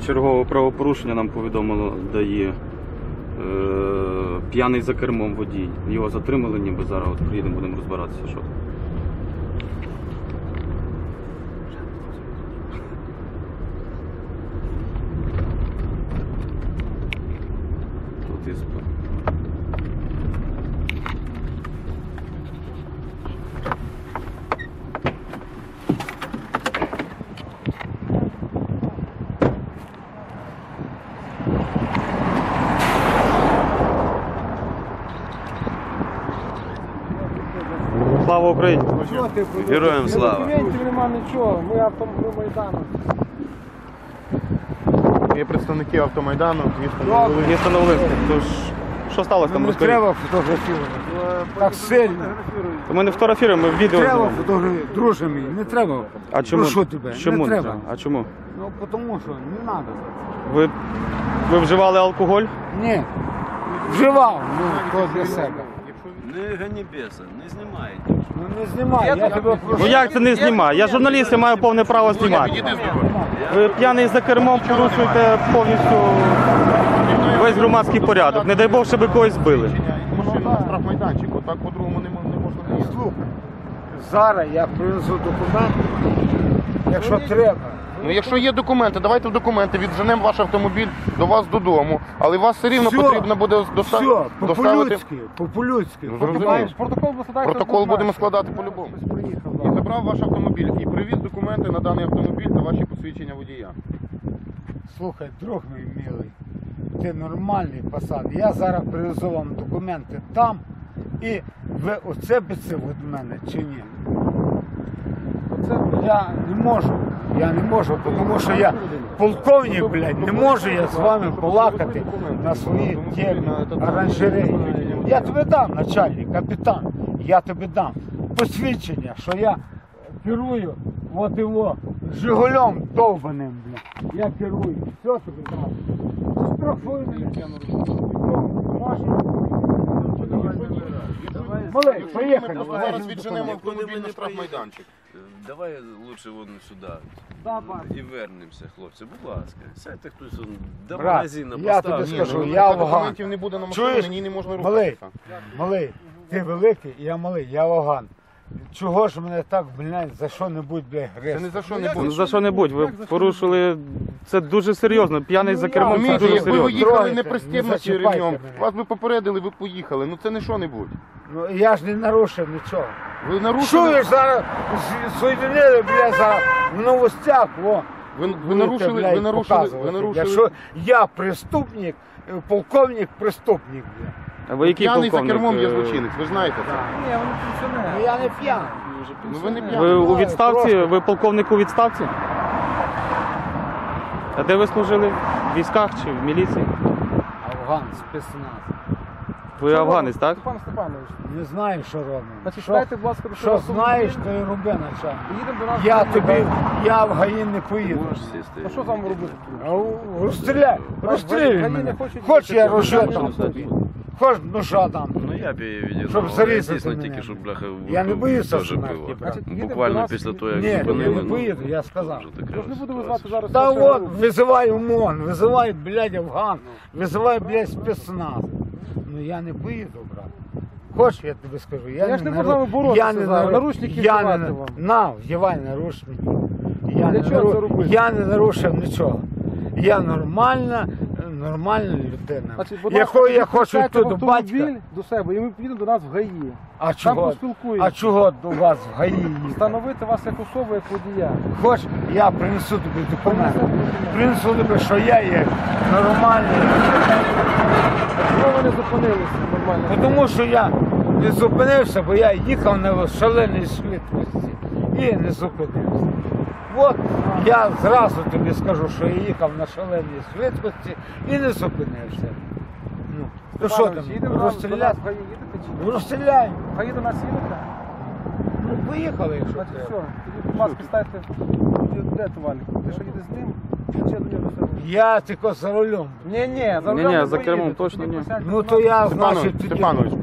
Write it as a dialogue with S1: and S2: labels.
S1: чергове правопорушення нам повідомило ДАІ. П'яний за кермом водій. Його затримали, ніби зараз от приїдемо, будемо розбиратися, що. Тут є справа. Слава Україні!
S2: Героям слава!
S3: Документів нема нічого, ми автомайдану.
S2: Є представники автомайдану,
S1: Місто Новолинське. Тож, що сталося там?
S3: Не
S1: Розкажіть.
S3: треба фотографувати. Так сильно.
S1: Ми не фотографуємо, ми відео
S3: Треба
S1: знімаємо.
S3: фотографувати. Друже мій, не треба.
S1: А чому?
S3: Прошу тебе,
S1: Чому
S3: не треба.
S1: А чому?
S3: Ну, тому що не треба.
S1: Ви вживали алкоголь?
S3: Ні. Вживав, ну, то для себе.
S4: Не гані беса, не знімайте.
S3: Ну, не знімай, я тебе прошу.
S1: Ну як це не знімаю? Я журналіст, я маю повне право знімати. Ви п'яний за кермом, порушуєте повністю весь громадський порядок. Не дай Бог, щоб ви когось збили.
S2: Машина на штрафмайданчику, так по-другому не можна.
S3: Слухай, зараз я принесу документи, якщо треба.
S2: Ну якщо є документи, давайте в документи, відженемо ваш автомобіль до вас додому, але вас все рівно
S3: Все,
S2: потрібно буде
S3: Все,
S2: доставити.
S3: по-людськи.
S2: Ну, зрозуміло. Протокол будемо складати
S3: Хтось
S2: по-любому.
S3: приїхав.
S2: І забрав ваш автомобіль і привіз документи на даний автомобіль та ваші посвідчення водія.
S3: Слухай, друг мій милий, ти нормальний пацан. Я зараз привезу вам документи там, і ви оце це від мене чи ні? Оце я не можу, тому що я полковник, блядь, не можу я з вами балакати на своїй темі оранжереї. Я тобі дам, начальник, капітан, я тобі дам посвідчення, що я керую от його Жигулем довбаним, блядь. Я керую, все тобі дам. Штрафуй мене. Малий, поїхали.
S2: Зараз відженемо автомобіль на штрафмайданчик.
S4: Давай лучше вон сюди. І вернемося, хлопці, будь ласка. Сядьте хтось до
S3: Брат,
S4: магазину,
S3: я тобі
S4: поставте.
S3: скажу,
S2: Ну,
S3: я
S2: поки
S3: Афган.
S2: документів не буде на машині,
S3: Чуєш?
S2: на ній не можна
S3: Малий,
S2: рухатися.
S3: малий, ти великий, я малий, я Афган. Чого ж мене так, блядь, за що-небудь, блядь,
S2: Це
S3: грести?
S2: не за що не
S1: Ну,
S2: буде.
S1: за що-небудь, ви порушили, це дуже серйозно, п'яний за кермом, це
S2: Розумієте,
S1: дуже
S2: якби ви
S1: серйозно.
S2: їхали
S3: Трогайте,
S2: не
S3: не
S2: пристібнуті
S3: зачіпайте
S2: ремнем,
S3: мене.
S2: вас би попередили, ви б поїхали. Ну це не що-небудь.
S3: Ну, я ж не нарушив нічого.
S2: Ви нарушили,
S3: Чуєш, зараз соєдинили, блядь, зараз в новостях, во.
S2: ви
S3: Будете,
S2: нарушили,
S3: блядь,
S2: ви нарушили,
S3: показувати.
S2: ви нарушили.
S3: Якщо я преступник, полковник преступник, блядь.
S1: А ви який
S2: П'яний за
S1: полковник?
S2: кермом є злочинець, ви ж знаєте це.
S3: Ну я не п'яний.
S2: Ну ви не
S1: Ви
S2: п'яний.
S1: у відставці? Ви полковник у відставці? А де ви служили? В військах чи в міліції?
S3: Афган, спецназ.
S1: Ви афганець, так?
S3: Степан Степанович, не знаю, що робимо.
S5: Значить,
S3: Що-
S5: дайте, будь ласка,
S3: Що знаєш, то і роби, начальник.
S5: Поїдемо до нас.
S3: Я тобі, я в ГАІ не поїду.
S4: Можеш сісти.
S5: А що з вами робити?
S3: Розстріляй, розстріляй
S5: ГАІ не
S3: мене.
S5: хочуть
S3: Хоч я
S5: їхати.
S3: рожу
S5: Гаї
S3: там
S5: не
S3: тобі. Хоч ножа там.
S4: Ну я б її відігнав,
S3: Щоб
S4: але
S3: зарізати
S4: дійсно
S3: мене.
S4: тільки, щоб бляха
S3: Я не боюся
S4: теж
S3: смерті,
S4: пиво.
S3: брат.
S5: Значить, їдемо до
S4: Буквально
S5: нас
S4: після
S5: і-
S4: того, як
S3: Ні, я
S4: зупинили.
S3: не поїду, я сказав.
S4: вже така
S5: Я ж не буду
S4: ситуація.
S5: визвати зараз.
S3: Та
S5: нашого
S3: от,
S5: групу.
S3: визивай ОМОН, визивай, блядь, Афган, визивай, блядь, спецназ. Ну я не поїду, брат. Хочеш, я тобі скажу,
S5: Я ж не буду з вами боротися зараз, наручники
S3: я
S5: вдівати
S3: не,
S5: вам.
S3: на, вдівай наручники.
S5: Для чого це робити?
S3: Я не нарушив нічого. Я нормальна людина.
S5: Значить, будь
S3: Якою
S5: ласка,
S3: я хочу
S5: підключайте
S3: йти до
S5: автомобіль
S3: батька.
S5: до себе, і ми поїдемо до нас в ГАІ.
S3: А
S5: Там
S3: чого?
S5: поспілкуємося.
S3: А чого до вас в ГАІ їхати?
S5: Встановити вас як особу, як водія.
S3: Хоч я принесу тобі документи.
S5: Принесете документи.
S3: Принесу тобі, що я є нормальний.
S5: Чого ви не зупинилися нормально?
S3: Тому що я не зупинився, бо я їхав на шаленій швидкості і не зупинився. От я зразу тобі скажу, що я їхав на шаленій швидкості і не зупинився. Ну, то що там,
S5: Їдемо до нас
S3: розстріляти?
S5: в ГАІ, їдете чи ні?
S3: Розстріляй.
S5: В ГАІ до нас їдете?
S3: Ну, поїхали, якщо
S5: Значить, все.
S3: треба.
S5: Тоді, будь ласка, ставте, де товарник? Ти що їдеш з ним? Чи до нього все?
S3: Я тільки за рулем.
S5: Ні,
S1: Ні, за кермом точно ні.
S3: Ну то я, значить, тоді...
S2: Степанович,